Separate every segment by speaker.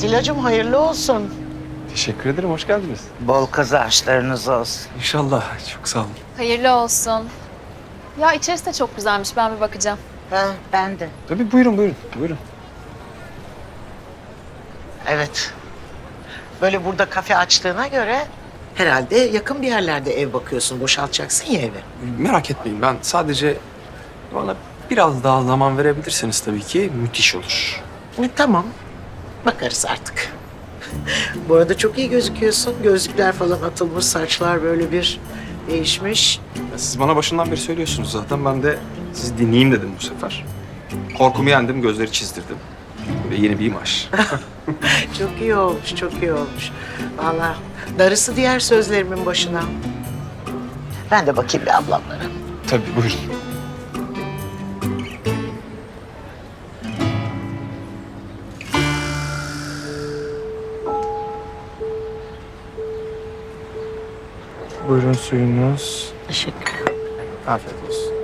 Speaker 1: Atilla'cığım hayırlı olsun.
Speaker 2: Teşekkür ederim, hoş geldiniz.
Speaker 1: Bol kazançlarınız olsun.
Speaker 2: İnşallah, çok sağ olun.
Speaker 3: Hayırlı olsun. Ya içerisi de çok güzelmiş. Ben bir bakacağım.
Speaker 1: Ha, ben de.
Speaker 2: Tabii buyurun.
Speaker 1: Evet. Böyle burada kafe açtığına göre herhalde yakın bir yerlerde ev bakıyorsun. Boşaltacaksın ya evi.
Speaker 2: Merak etmeyin, ben sadece bana biraz daha zaman verebilirseniz tabii ki müthiş olur.
Speaker 1: Tamam. Bakarız artık. Bu arada çok iyi gözüküyorsun. Gözlükler falan atılmış, saçlar böyle bir değişmiş.
Speaker 2: Ya siz bana başından beri söylüyorsunuz zaten, ben de sizi dinleyeyim dedim bu sefer. Korkumu yendim, gözleri çizdirdim. Ve yeni bir imaj.
Speaker 1: Çok iyi olmuş, çok iyi olmuş. Vallahi darısı diğer sözlerimin başına. Ben de bakayım bir ablamlara.
Speaker 2: Tabii, buyurun. Buyurun suyunuz.
Speaker 1: Teşekkür.
Speaker 2: Afiyet olsun.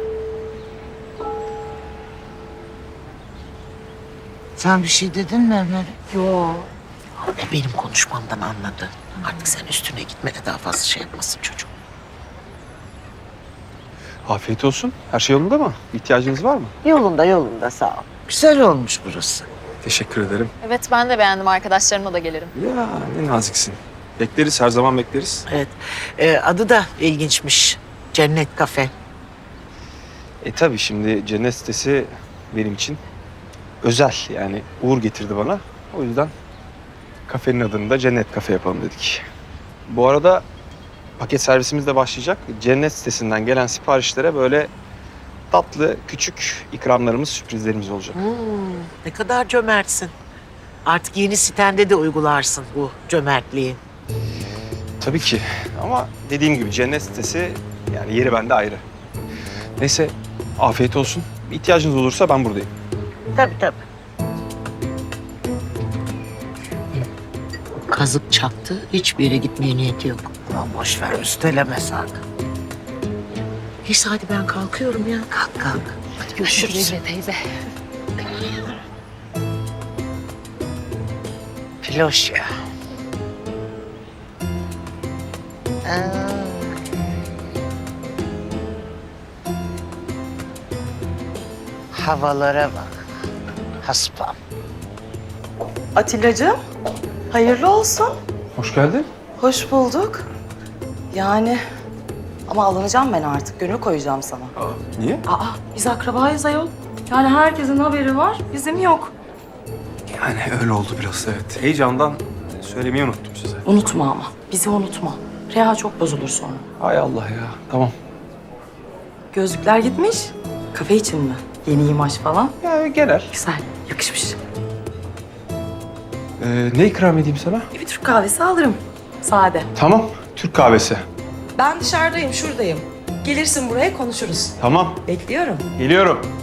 Speaker 1: Sen bir şey dedin mi Ömer? Yok. Benim konuşmamdan anladı. Artık sen üstüne gitme de daha fazla şey yapmasın çocuk.
Speaker 2: Afiyet olsun. Her şey yolunda mı? İhtiyacınız var mı?
Speaker 1: Yolunda sağ ol. Güzel olmuş burası.
Speaker 2: Teşekkür ederim.
Speaker 3: Evet ben de beğendim. Arkadaşlarımla da gelirim.
Speaker 2: Ya ne naziksin. Bekleriz, her zaman bekleriz.
Speaker 1: Evet. Adı da ilginçmiş. Cennet Kafe.
Speaker 2: Tabii şimdi cennet sitesi benim için özel. Yani Uğur getirdi bana. O yüzden kafenin adını da Cennet Kafe yapalım dedik. Bu arada paket servisimiz de başlayacak. Cennet sitesinden gelen siparişlere böyle tatlı, küçük ikramlarımız, sürprizlerimiz olacak.
Speaker 1: Ne kadar cömertsin. Artık yeni sitende de uygularsın bu cömertliği.
Speaker 2: Tabii ki ama dediğim gibi cennet sitesi, yani yeri bende ayrı. Neyse, afiyet olsun. İhtiyacınız olursa ben buradayım.
Speaker 1: Tabii. Kazık çaktı. Hiçbir yere gitmeye niyeti yok. Aman boş ver, üsteleme sen. Neyse hadi ben kalkıyorum ya. Kalk. Hadi görüşürüz.
Speaker 3: Teyze.
Speaker 1: Filoş ya. Havalara bak. Haspam.
Speaker 4: Atilla'cığım, hayırlı olsun.
Speaker 2: Hoş geldin.
Speaker 4: Hoş bulduk. Yani ama alınacağım ben artık, gönül koyacağım sana.
Speaker 2: Niye?
Speaker 4: Biz akrabayız ayol. Yani herkesin haberi var, bizim yok.
Speaker 2: Yani öyle oldu biraz, evet. Heyecandan söylemeyi unuttum size.
Speaker 4: Unutma ama, bizi unutma. Reha çok bozulur sonra.
Speaker 2: Hay Allah ya. Tamam.
Speaker 4: Gözlükler gitmiş. Kafe için mi? Yeni imaj falan.
Speaker 2: Ya genel.
Speaker 4: Güzel, yakışmış.
Speaker 2: Ne ikram edeyim sana?
Speaker 4: Bir Türk kahvesi alırım. Sade.
Speaker 2: Tamam. Türk kahvesi.
Speaker 4: Ben dışarıdayım, şuradayım. Gelirsin buraya konuşuruz.
Speaker 2: Tamam.
Speaker 4: Bekliyorum.
Speaker 2: Geliyorum.